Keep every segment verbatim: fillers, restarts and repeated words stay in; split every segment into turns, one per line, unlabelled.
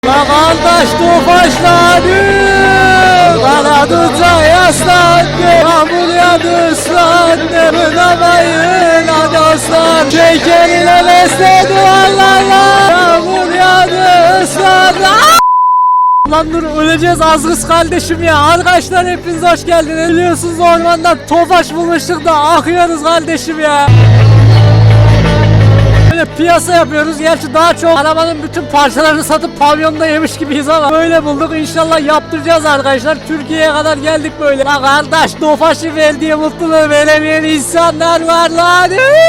La kardeş tofaşladı, kanadıca yaslandı, yağmur yağdı ıslandı, bınamayın hadi aslan. Şekerine besledi vallahi, yağmur yağdı ıslandı. Lan dur öleceğiz az kız kardeşim ya. Arkadaşlar hepiniz hoş geldiniz. Biliyorsunuz ormandan tofaş bulmuştuk da akıyoruz kardeşim ya. Böyle piyasa yapıyoruz. Gerçi daha çok arabanın bütün parçalarını satıp pavyonda yemiş gibiyiz ama böyle bulduk. İnşallah yaptıracağız arkadaşlar. Türkiye'ye kadar geldik böyle. La kardeş tofaşı verdiği mutluluğu veremeyen insanlar var lan.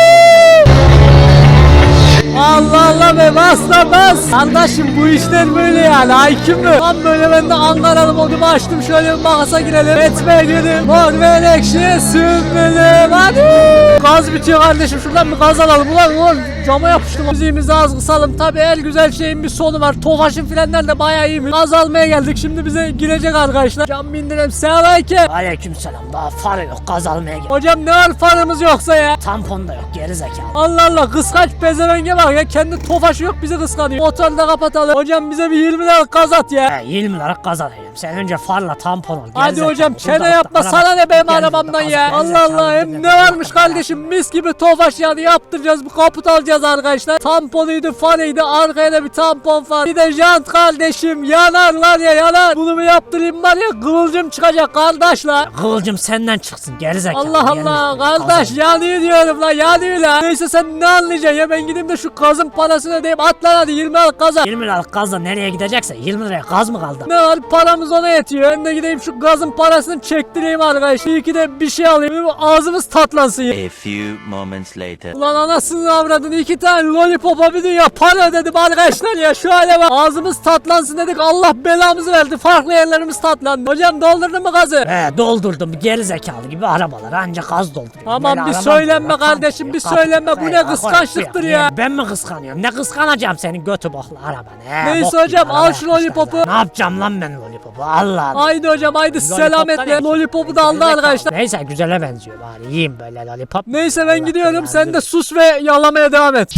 Allah Allah be bas da bas. Kardeşim bu işler böyle yani hakim mi? Tam böyle ben de Ankaralı modumu açtım. Şöyle bir makasa girelim. Etme gülüm. Mor ve ekşi sümbülüm. Hadi. Gaz bitiyor kardeşim. Şuradan bir gaz alalım. Ulan ulan cama yapıştım. Müziğimizi az kısalım. Tabi her güzel şeyin bir sonu var. Tofaşın filanlar da bayağı iyi mi? Gaz almaya geldik. Şimdi bize girecek arkadaşlar. Cam bindirelim. Selamünaleyküm.
Aleykümselam. Daha farı yok, gaz almaya gel.
Hocam ne var farımız yoksa ya?
Tampon da yok, geri zekalı.
Allah Allah kıskaç pezevenge bak ya, kendi tofaşı yok bizi kıskanıyor. Motoru da kapatalım. Hocam bize bir yirmi lira gaz at ya.
He, yirmi lira gaz alayım. Sen önce farla tampon ol.
Hadi
zekalı.
hocam çene
Burada
yapma
araba-
sana ne benim
Gel
arabamdan
burada,
ya.
gel
Allah
zekalı,
Allah hem
gel
ne
zekalı.
varmış kardeşim, mis gibi tofaş yani yaptıracağız, bir kaput alacağız arkadaşlar. Tamponuydu farıydı, arkaya da bir tampon var. Bir de jant kardeşim, yanar lan ya yanar. Bunu bir yaptırayım var ya kıvılcım çıkacak kardeşler.
Kıvılcım senden çıksın geri zekalı.
Allah Allah kardeş yanıyor diyorum lan, yanıyor lan. Neyse sen ne anlayacaksın ya, ben gideyim de şu gazın parasını ödeyeyim, at lan hadi yirmi liralık gaza.
yirmi liralık gazla nereye gidecekse yirmi liraya gaz mı kaldı?
Ne var paramız ona yetiyor. Ben de gideyim şu gazın parasını çektireyim arkadaşlar. İyi ki de bir şey alayım. Ağzımız tatlansın ya.
A few moments later.
Ulan anasını avradın, iki tane lollipopa bir dünya para ödedim arkadaşlar ya. Şu hale bak, ağzımız tatlansın dedik, Allah belamızı verdi. Farklı yerlerimiz tatlandı. Hocam doldurdun mu gazı?
He doldurdum, geri zekalı gibi arabalar ancak gaz dolduruyor.
Aman
Böyle
bir
arabam
söylenme
diyor,
kardeşim,
kapı
bir
diyor,
söylenme.
kapı
Bu
diyor.
ne
He,
kıskançlıktır
koy,
ya.
Ben mi kıskanıyorum? Ne kıskanacağım senin götü boklu arabanı? He,
Neyse
bok
hocam,
gibi
al
araba
şu
yapmışlar
lollipopu.
lan. Ne yapacağım lan ben lollipopu? Allah Allah.
Haydi hocam haydi selametle.
ne?
Lollipopu da aldı arkadaşlar.
Neyse güzele benziyor bari yiyeyim böyle lollipop.
Neyse ben
Allah
gidiyorum,
belanı
sen de
versin.
sus ve yalamaya devam et.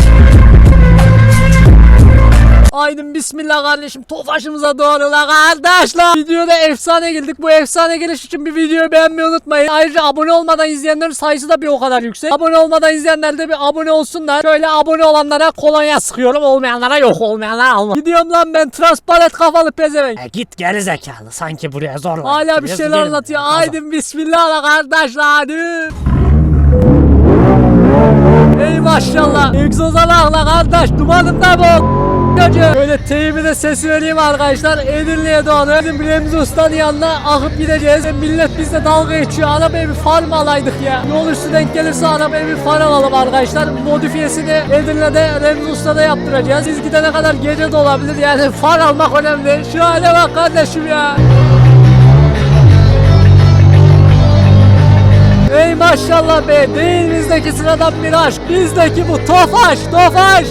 Aydın bismillah kardeşim, tofaşımıza doğru la kardeşler. Videoda efsane geldik. Bu efsane geliş için bir videoyu beğenmeyi unutmayın. Ayrıca abone olmadan izleyenlerin sayısı da bir o kadar yüksek. Abone olmadan izleyenler de bir abone olsunlar. Şöyle abone olanlara kolonya sıkıyorum, olmayanlara yok, olmayanlara alma. Gidiyorum lan ben, transparent kafalı pezevenk.
E git geri zekalı, sanki buraya zorla.
Hala bir
getiriyoruz,
şeyler
gidelim.
anlatıyor.
Kazan.
Aydın bismillah la kardeşler hadi. Ey maşallah. Egzoza bak la kardeş, dumanım da bu. Böyle teyimi de sesi vereyim arkadaşlar. Edirne'ye doğru bizim Remzi Usta'nın yanına akıp gideceğiz. Millet bizle dalga geçiyor. Arabaya bir far mı alaydık ya? Yol üstü denk gelirse arabaya bir far alalım arkadaşlar. Modifiyesini Edirne'de Remzi Usta'da yaptıracağız. Biz gidene kadar gece de olabilir. Yani far almak önemli. Şu hale bak kardeşim ya. Ey maşallah be, değil bizdeki sıradan bir aşk, bizdeki bu tofaş, tofaş.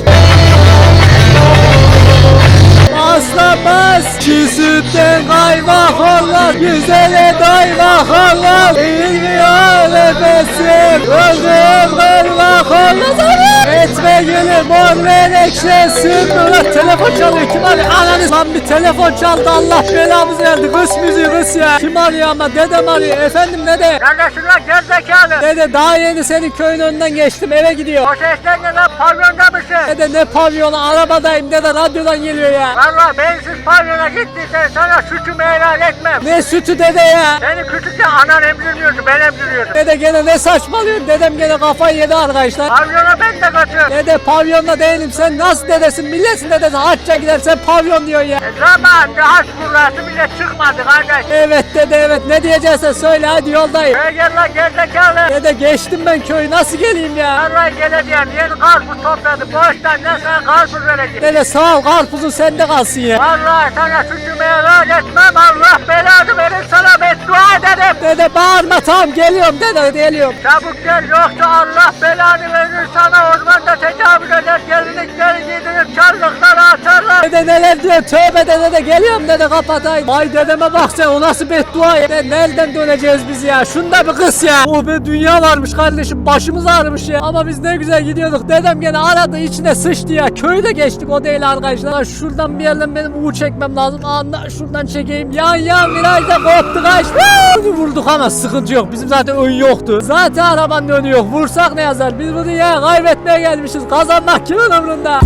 Asla bas, çiğ sütten kaymak olur, güzele doymak olur. Eğilmiyor nefesim, öldüm kırmak olur. Etme gülüm mor menekşesin. Ulan telefon çalıyor, kim arıyor? Ananı lan bir telefon çaldı, Allah belamızı verdi. Kıs müziği kıs ya. Kim arıyor ama, dedem arıyor. Efendim dede.
Kardeşim lan gerizekalı.
Dede daha yeni senin köyün önünden geçtim, eve gidiyor.
O sesler ne lan, pavyonda mısın?
Dede ne pavyonu, arabadayım dede, radyodan geliyor ya.
Valla bensiz pavyona gittiysen sana sütümü helal etmem.
Ne sütü dede ya.
Seni küçükken anan emzirmiyordu, ben emziriyordum.
Dede gene ne saçmalıyorsun, dedem gene kafayı yedi arkadaşlar.
Pavyona ben de kaçıyorum.
Dede pavyonda değilim, sen nasıl dedesin, milletin dedesi hacca gidersen pavyon diyorsun ya.
E zamanında haç kurrası bile çıkmadı kardeş.
Evet dede evet, ne diyeceksen söyle hadi, yoldayım.
Şöyle gel lan gerizekalı.
Dede geçtim ben köyü, nasıl geleyim ya.
Vallahi geleceğim, yeni karpuz topladı. Boştan ne sana karpuz vereceğim.
Dede sağ ol, karpuzun sende kalsın ya.
Vallahi sana sütümü helal etmem, Allah belanı verir sana, beddua ederim.
Dede bağırma, tamam geliyorum dede, geliyorum.
Çabuk gel yoksa Allah belanı verir sana, ormanda tecavüz eder, gelinlikleri giydirip çarlıklara atarlar. Allah.
Dede neler diyor, tövbe dede de geliyorum dede kapatayım. Ay dedeme bak sen, o nasıl beddua ya. De, nereden döneceğiz biz ya, şunda bir kız ya. Oh be, dünya varmış kardeşim, başımız ağrımış ya. Ama biz ne güzel gidiyorduk, dedem gene aradı içine sıçtı ya. Köyde geçtik, o değil arkadaşlar. Şuradan bir yerden benim U çekmem lazım. Anla şuradan çekeyim. Ya ya virajda koptu kaç. Vurduk ama sıkıntı yok, bizim zaten ön yoktu. Zaten arabanın önü yok, vursak ne yazar. Biz bunu ya kaybetmeye gelmişiz, kazanmak kimin umrunda.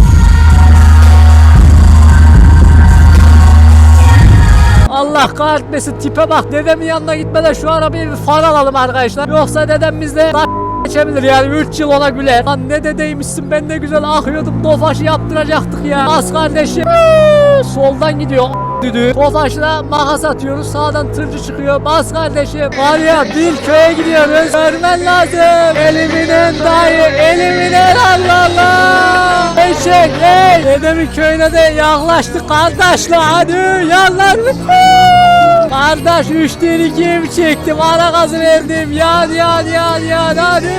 Allah kahretmesin, tipe bak. Dedemin yanına gitmeden şu arabayı bir far alalım arkadaşlar. Yoksa dedem bizle geçebilir yani, üç yıl ona güler. Lan ne dedeymişsin, ben ne güzel akıyordum. Tofaşı yaptıracaktık ya. Az kardeşim. Soldan gidiyor düdüğü. Tofaşla makas atıyoruz. Sağdan tırcı çıkıyor. Bas kardeşim. Var ya, bir köye gidiyoruz. Görmen lazım. Eliminen dayı. Eliminen Allah Allah. Eşek ey. Dedemin köyüne de yaklaştık kardeşler. Hadi yanlar mı? Kardeş üç değil ikiye mi çektim? Ara gazı verdim. Yan yan yan yan hadi.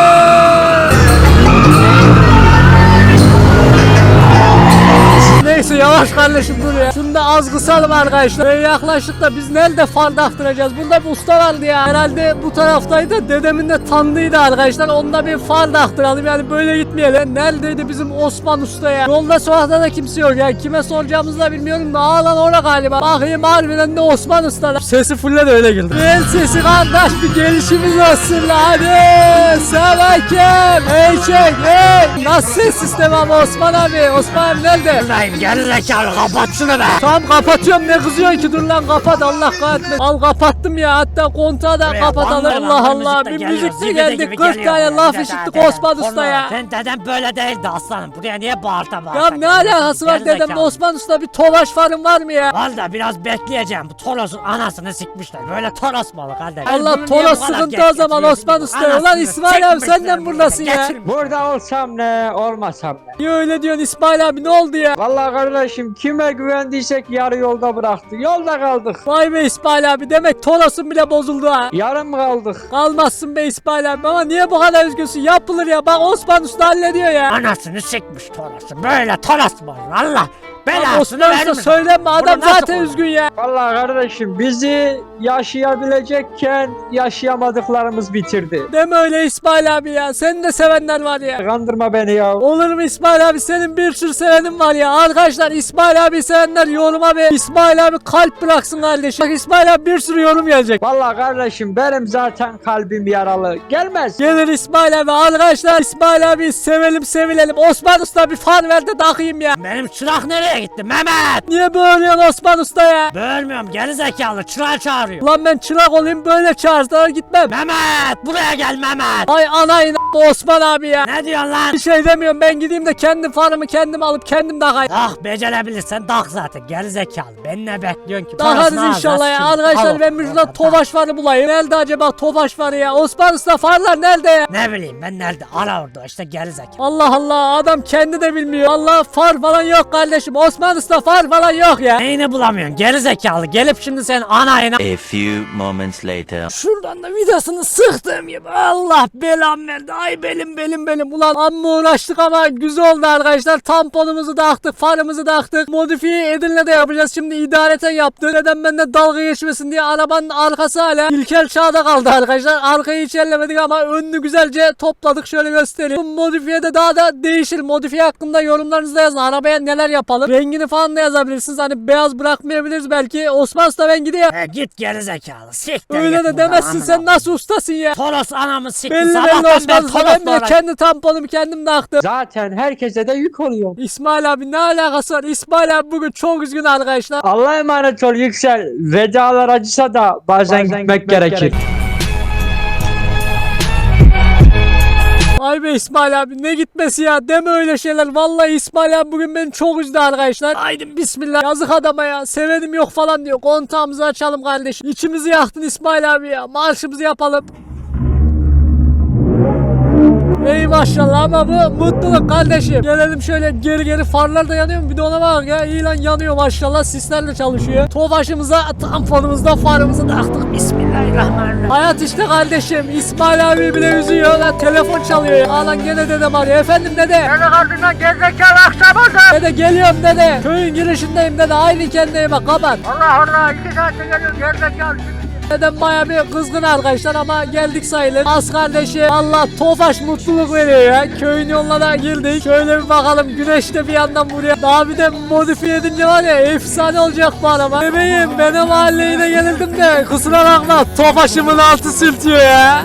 Neyse yavaş kardeşim, dur ya. Şunu da az kısalım arkadaşlar. Böyle yaklaştık da biz nerede far daktıracağız? Bunda bir usta vardı ya. Herhalde bu taraftaydı. Dedemin de tanıdığıydı arkadaşlar. Onda bir far daktıralım yani, böyle gitmeyelim. Neredeydi bizim Osman Usta ya? Yolda sokakta da kimse yok ya. Kime soracağımızı da bilmiyorum da. Ağlan orada galiba. Bakayım harbiden de Osman Usta'da. Sesi fulle de öyle girdi. El sesi kardeş, bir gelişimiz olsun la. Hadi. Selamünaleyküm. Hey çek hey. Nasıl ses sistemi ama Osman abi? Osman abi nerede?
Buradayım gerizekalı, kapat şunu be.
Tamam kapatıyorum, ne kızıyorsun ki, dur lan kapat, Allah kahretmesin. Al kapattım ya, hatta kontağı da
Buraya
kapatalım.
bangla
Allah
bangla
Allah,
müzik de
bir
geliyor,
müzik de
zibidi
geldi,
gibi
kırk
geliyor
tane
ya.
laf
Dede,
işittik
dede,
Osman
porno.
Usta ya.
Sen dedem böyle değildi aslanım, buraya niye bağırta bağırta?
Ya ne
geliyorsun?
alakası var dedemle
Gerizekalı.
Osman Usta, bir tovaş farın var mı ya?
Valla biraz bekleyeceğim, bu Toros'un anasını sikmişler, böyle Toros malı kardeş.
Allah,
Bunu niye
Toros
bu kadar
sıkıntı
geç
o zaman
getiriyorsun?
Osman Usta. Ulan
Anasını
İsmail abi,
sikmişler
sen de
bunu.
buradasın ya.
Getirmiş.
Burada olsam ne, olmasam ne?
Niye öyle diyorsun İsmail abi, ne oldu ya?
Vallahi kardeşim, kime güvendiysek yarı yolda bıraktık. Yolda kaldık.
Vay be İsmail abi, demek Toros'un bile bozuldu ha.
Yarım kaldık.
Kalmazsın be İsmail abi, ama niye bu kadar üzgünsün? Yapılır ya, bak Osman Usta hallediyor ya.
Anasını sikmiş Toros'un, böyle Toros mu olur Allah?
Lan
Belasını
Osman Usta
vermiş.
söylenme, adam
Bunu nasıl
zaten
olur?
üzgün ya.
Vallahi kardeşim, bizi yaşayabilecekken yaşayamadıklarımız bitirdi.
Deme öyle İsmail abi ya, senin de sevenler var ya.
Kandırma beni ya.
Olur mu İsmail abi, senin bir sürü sevenin var ya. Arkadaşlar İsmail abi sevenler yoruma bir İsmail abi kalp bıraksın kardeşim. Bak İsmail abi bir sürü yorum gelecek.
Vallahi kardeşim, benim zaten kalbim yaralı. Gelmez.
Gelir İsmail abi. Arkadaşlar İsmail abi sevelim sevilelim. Osman Usta bir fan ver de takayım ya.
Benim çırak nereye gitti Mehmet?
Niye bağırıyorsun Osman Usta ya?
Bölmüyorum gerizekalı, çırağı çağırıyor.
Ulan ben çırak olayım, böyle çağırsalar gitmem.
Mehmet buraya gel Mehmet.
Ay anayın Osman abi ya.
Ne diyorsun lan?
Bir şey demiyorum, ben gideyim de kendi farımı kendim alıp kendim takayım.
Ah becerebilirsen tak zaten gerizekalı. Beni ne bekliyorsun ki?
Takarız
Parasını
inşallah ya.
alacaksın.
Arkadaşlar
Al.
ben bir şurada Tofaş farı bulayım. Nerede acaba Tofaş farı ya? Osman Usta farlar nerede ya?
Ne bileyim ben nerede? Ara orada işte gerizekalı.
Allah Allah, adam kendi de bilmiyor. Allah, far falan yok kardeşim. Osman Usta far falan yok ya.
Neyini bulamıyorsun gerizekalı? Gelip şimdi sen anayına...
A few moments later.
Şuradan da vidasını sıktığım gibi. Allah belam verdi. Ay belim belim belim. Ulan amma uğraştık ama güzel oldu arkadaşlar. Tamponumuzu da aktık, farımızı da aktık. Modifiye Edirne'de yapacağız. Şimdi idareten yaptık. Neden benden dalga geçmesin diye arabanın arkası hala ilkel çağda kaldı arkadaşlar. Arkayı hiç ellemedik ama önünü güzelce topladık. Şöyle göstereyim. Bu modifiyede daha da değişir. Modifiye hakkında yorumlarınızı da yazın. Arabaya neler yapalım. Rengini falan da yazabilirsiniz. Hani beyaz bırakmayabiliriz belki. Osman Usta ben gidiyorum.
He git gerizekalı. Siktir
Öyle
git
de
buradan,
demezsin,
amına
sen
koyayım.
nasıl ustasın ya?
Toros anamı sikti.
Belli belli
Sabahtan
Osman
beri
Usta,
Toros
ben bile
var.
kendi tamponumu kendim taktım.
Zaten herkese de yük oluyor.
İsmail abi ne alakası var? İsmail abi bugün çok üzgün arkadaşlar.
Allah'a emanet ol Yüksel. Vedalar acısa da bazen, gitmek, gerekir.
Ay be İsmail abi, ne gitmesi ya, deme öyle şeyler. Vallahi İsmail abi bugün beni çok üzdü arkadaşlar. Haydi bismillah, yazık adama ya, sevenim yok falan diyor. Kontağımızı açalım kardeşim. İçimizi yaktın İsmail abi ya, marşımızı yapalım. Ey maşallah ama bu mutluluk kardeşim. Gelelim şöyle geri geri, farlar da yanıyor mu? Bir de ona bak ya. İyi lan, yanıyor maşallah. Sislerle çalışıyor. Tofaşımıza, tamponumuzda farımızı taktık. Bismillahirrahmanirrahim. Hayat işte kardeşim. İsmail abi bile üzüyor lan. Telefon çalıyor ya. Aa lan gene dedem arıyor. Efendim dede.
Beni ardından gerizekalı akşam oldu.
Dede geliyorum dede. Köyün girişindeyim dede. Aynı kendine bak, kapat.
Allah Allah iki saatte geliyorum gerizekalı.
Dedem baya bir kızgın arkadaşlar ama geldik sayılır. Az kardeşi, Allah Tofaş mutluluk veriyor ya. Köyün yoluna da girdik. Şöyle bir bakalım, güneş de bir yandan vuruyor. Daha bir de modifiye edince var ya, efsane olacak bu araba. Bebeğim, ben o mahalleye de gelirdim de kusura bakma, Tofaş'ımın altı sürtüyor ya.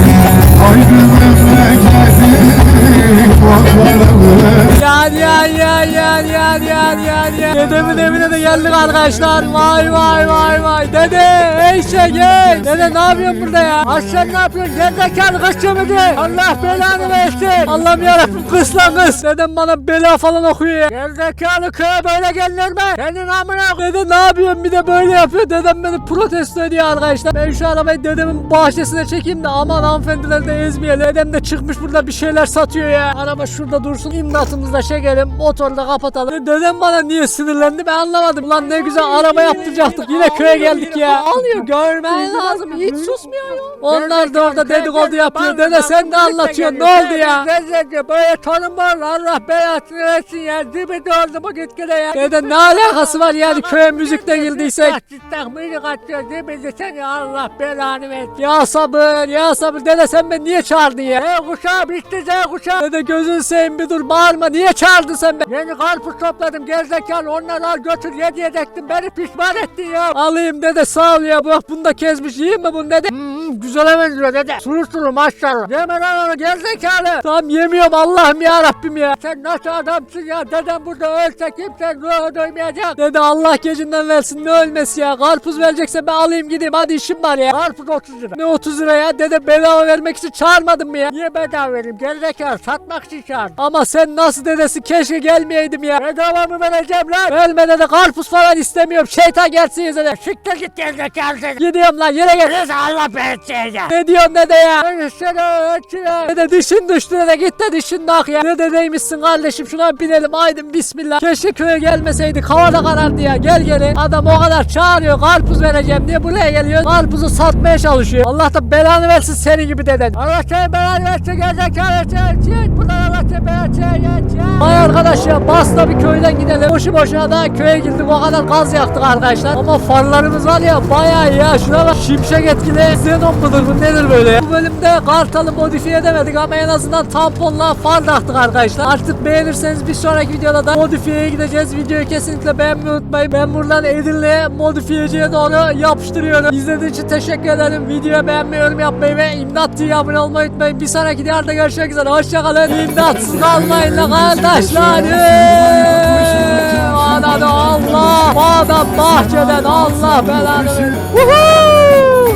Yan yan yan yan yan yan yan yan. Dedemin evine de geldik arkadaşlar. Vay vay vay vay. Dede ey şey gel. Dede ne yapıyorsun burada ya? Aşağı ne yapıyorsun? Gerizekalı kaçıyor mu diye? Allah belanı versin. Allah'ım yarabbim, kız lan kız. Dedem bana bela falan okuyor ya. Gerizekalı köye böyle gelinir mi? Senin amına. Dede ne yapıyorsun? Bir de böyle yapıyor. Dedem beni protesto ediyor arkadaşlar. Ben şu arabayı dedemin bahçesine çekeyim de aman hanımefendileri de ezmeyelim. Dedem de çıkmış burada bir şeyler satıyor ya. Araba şurada dursun. İmdatımızla çekelim. Motoru da kapatalım. Dedem bana niye sinirlendi ben anlamadım. Lan ne güzel araba yaptıracaktık. Yine köye geldik ya. Alıyor, görmen lazım. Hiç susmuyor ya. Onlar da orada dedikodu yapıyor. Dede sen de anlatıyorsun. Ne oldu ya?
Gerizekalı böyle torun var. Allah belasını versin ya. Dibi doğru bu gitgide ya.
Dede ne alakası var yani köye müzikte girdiysek?
Cidden müzik atıyor. Dibinde seni Allah belanı versin.
Ya sabır ya sabır. Dede sen beni niye çağırdın ya?
Z kuşağı bitti Z kuşağı.
Dede gözün seveyim bir dur, bağırma. Niye çağırdın sen beni?
Yeni karpuz topladım gerizekalı, onları al götür ye diyecektim, beni pişman ettin ya.
Alayım dede, sağ ol ya. Bak bunu da kesmiş, yiyeyim mi bunu dede?
Hmm, güzele benziyor dede. Sulu sulu maşallah. Yeme lan onu gerizekalı.
Tamam yemiyorum, Allah'ım ya Rabbim ya.
Sen nasıl adamsın ya, dedem burada ölse kimse ruhu duymayacak.
Dede Allah gecinden versin, ne ölmesi ya. Karpuz verecekse ben alayım gideyim, hadi işim var ya.
Karpuz otuz lira.
Ne otuz lira ya? Dede bedava vermek için çağırmadın mı ya?
Niye bedava vereyim gerizekalı, satmak için çağırdım.
Ama sen nasıl dedesi, keşke gelmeyeydim ya.
Bedava mı vereceğim lan?
Verme dede, karpuz falan istemiyorum. Şeytan gelsin yüzüne.
Siktir git gerizekalı seni.
Gidiyorum lan, yere gel.
Neyse Allah belanı ya.
Ne diyorsun dede ya?
Ben seni ölçüyorum.
Dede dişin düştü dede, git de dişin nak ya. Ne dedeymişsin kardeşim, şuna binelim haydi bismillah. Keşke köye gelmeseydik, hava da karardı ya. Gel geri, adam o kadar çağırıyor karpuz vereceğim diye buraya geliyor. Karpuzu satmaya çalışıyor. Allah da belanı versin senin gibi deden.
Allah seni belanı versin gerizekalı sen. Çık buradan, Allah seni belanı versin.
Vay arkadaş ya, bas da bir köyden gidelim. Boşu boşuna da köye girdik, o kadar gaz yaktık arkadaşlar. Ama farlarımız var ya bayağı iyi ya. Şuna bak, şimşek etkili xenon mudur bu nedir böyle ya? Bu bölümde Kartal'ı modifiye edemedik ama en azından tamponla far taktık arkadaşlar. Artık beğenirseniz bir sonraki videoda da modifiyeye gideceğiz. Videoyu kesinlikle beğenmeyi unutmayın. Ben buradan Edirne'ye modifiyeciye doğru yapıştırıyorum. İzlediğiniz için teşekkür ederim. Videoyu beğenmeyi, yorum yapmayı ve İmdat T V'ye abone olmayı unutmayın. Bir sonraki videoda görüşmek üzere. Hoşçakalın. İmdatsız kalmayın la kardeşlerim. Ananı Allah. Bu adam bahçeden Allah belanı. Woohoo!